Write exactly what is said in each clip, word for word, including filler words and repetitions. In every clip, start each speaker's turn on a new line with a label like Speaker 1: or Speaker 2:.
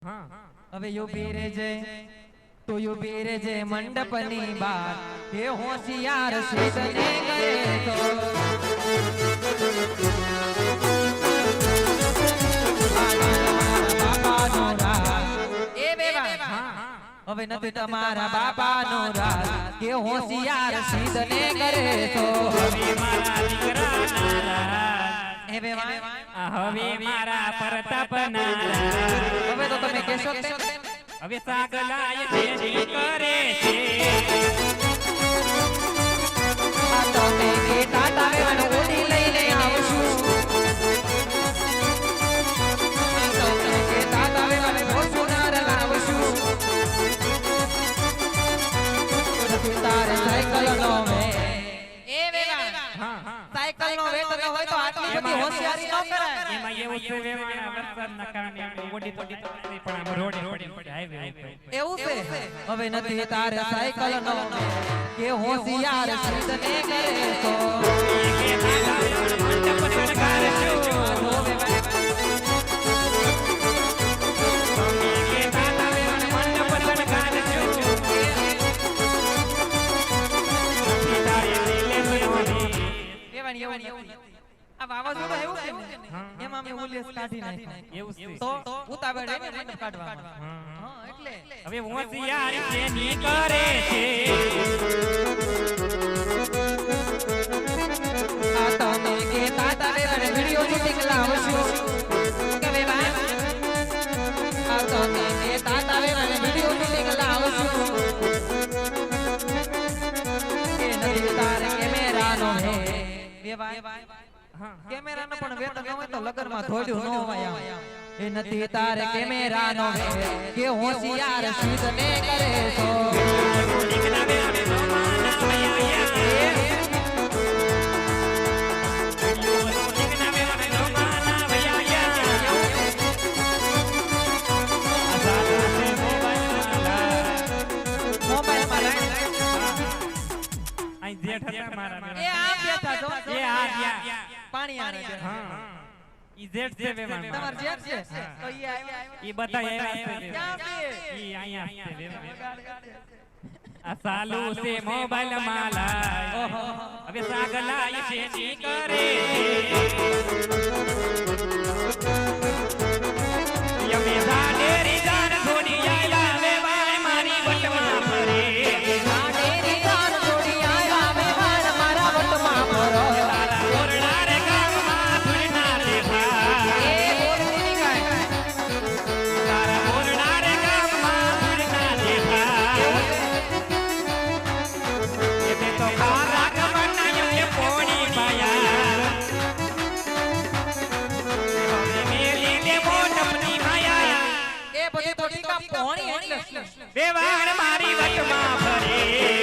Speaker 1: હવે યુપી રે જે તો યુપી રે જે મંડપની બાર એ હોશિયાર શીતને કરે તો બાપાનો રાજ એ બેવા હવે નથી તમારા બાપાનો રાજ કે હોશિયાર શીતને કરે તો
Speaker 2: હવે મારા દીકરાના રાજ
Speaker 1: એ બેવા
Speaker 2: હવે મારા પ્રતાપના
Speaker 1: હવે તો તમે કહેશો તેમ
Speaker 2: હવે સાગલાય જેની કરે છે
Speaker 1: આ તમે કે ટાટા વેવાનો ઓડી લઈને આવશું આ તમે કે ટાટા વેવાનો ફોર્ચ્યુનર લાવશું તો તારે સાયકલ નો વે એ વેવા
Speaker 2: હા હા
Speaker 1: સાયકલ નો વેત ન હોય તો આટલી બધી હોશિયારી ન કરાય
Speaker 2: એમાં એવું છે વેવાના વરસાદના કારણે ઓડી તો નથી પણ આમ રોડે પડી પડી હાઈવે ઉપર
Speaker 1: એવું છે હવે નથી તારે સાયકલ નો કે હોશિયાર શીતને કરે તો
Speaker 2: કે દાદા મંડપ શણગાર છું કે દાદા મંડપ શણગાર છું
Speaker 1: આ વાવાઝોડું એવું છે ને એમાં અમે ઉલ્લેસ કાઢી નાખી
Speaker 2: એવું છે
Speaker 1: તો ઉતાવળ એને મંડપ કાઢવામાં હા એટલે
Speaker 2: હવે હોશિયાર જેની કરે છે
Speaker 1: આ તમે કે તાતા વેવાને વિડિયો શૂટિંગ લાવશું કે વેવા આ તમે કે તાતા વેવાને વિડિયો શૂટિંગ લાવશું કે નથી તારે કેમેરાનો હે વેવા કેમેરાનો પણ વેત ન હોય તો લગનમાં થોડ્યું ન હોય એ નથી તારે કેમેરાનો હે કે હોશિયાર શીતને કરે તો
Speaker 2: દીકરા બે અમે રોમાના ભૈયા દીકરા બે અમે રોમાના ભૈયા આસાલા સે મોબાઈલ
Speaker 1: મોબાઈલ
Speaker 2: માલા
Speaker 1: માં
Speaker 2: આઈ જેઠ હતા મારા
Speaker 1: એ આ બેઠા તો
Speaker 2: એ આ ગયા
Speaker 1: પાણી આને છે
Speaker 2: હા ઈ જેઠ છે વેવાન
Speaker 1: તમાર જેઠ છે તો ઈ આવ્યા
Speaker 2: ઈ બધા આવ્યા છે
Speaker 1: ક્યાં બે
Speaker 2: ઈ અહીંયા છે વેવાન આ સાલુ સે મોબાઈલ માલા ઓહો હવે સાગલાય છે ની કરે યમે જાડેરી જાન થોડી આયા વેવાન મારી વટમાં ફરે
Speaker 1: સાડેરી જાન થોડી આયા વેવાન મારા વટમાં ફરો
Speaker 2: તારા ઓરડા રે ગામમાં ફૂલના દેખા
Speaker 1: એ બોલતી કાય
Speaker 2: તારા ઓરડા રે ગામમાં ફૂલના દેખા એ તો ખારા ગમના યે પોણી પાયા મેલી દે મોટપની માયા
Speaker 1: એ બધી તો ટીકા પોણી એટલે
Speaker 2: વેવાણ મારી વટમાં ફરે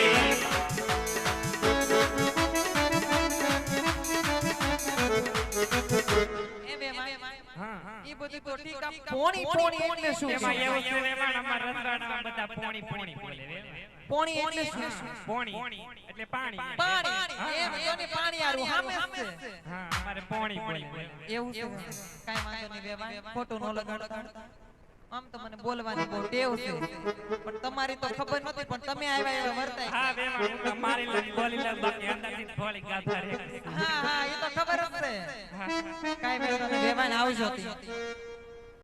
Speaker 1: એ બે માય
Speaker 2: હા હા
Speaker 1: ઈ બધી તો ટીકા પોણી પોણી એટલે શું
Speaker 2: એમાં એવું છે વેવાણ અમાર રસવાડામાં બધા પોણી પોણી બોલે
Speaker 1: પોણી એટલે શું
Speaker 2: પોણી એટલે પાણી
Speaker 1: પાણી એમ જોની પાણી આરું હામે છે
Speaker 2: હા અમારે પોણી પોણી બોલે
Speaker 1: એવું છે કાઈ વાંધો નહીં બેવા ખોટું ન લગાડતા આમ તો મને બોલવાની બહુ ટેવ છે પણ તમારી તો ખબર નથી પણ તમે આવ્યા એવા વર્તાય
Speaker 2: હા વેવાણ હું તો મારી લઈ બોલી લઈ બાકી અંદરથી થોડી ગાથા રે
Speaker 1: હા હા એ તો ખબર જ છે કાઈ વાંધો નહીં બેવાન આવજો તી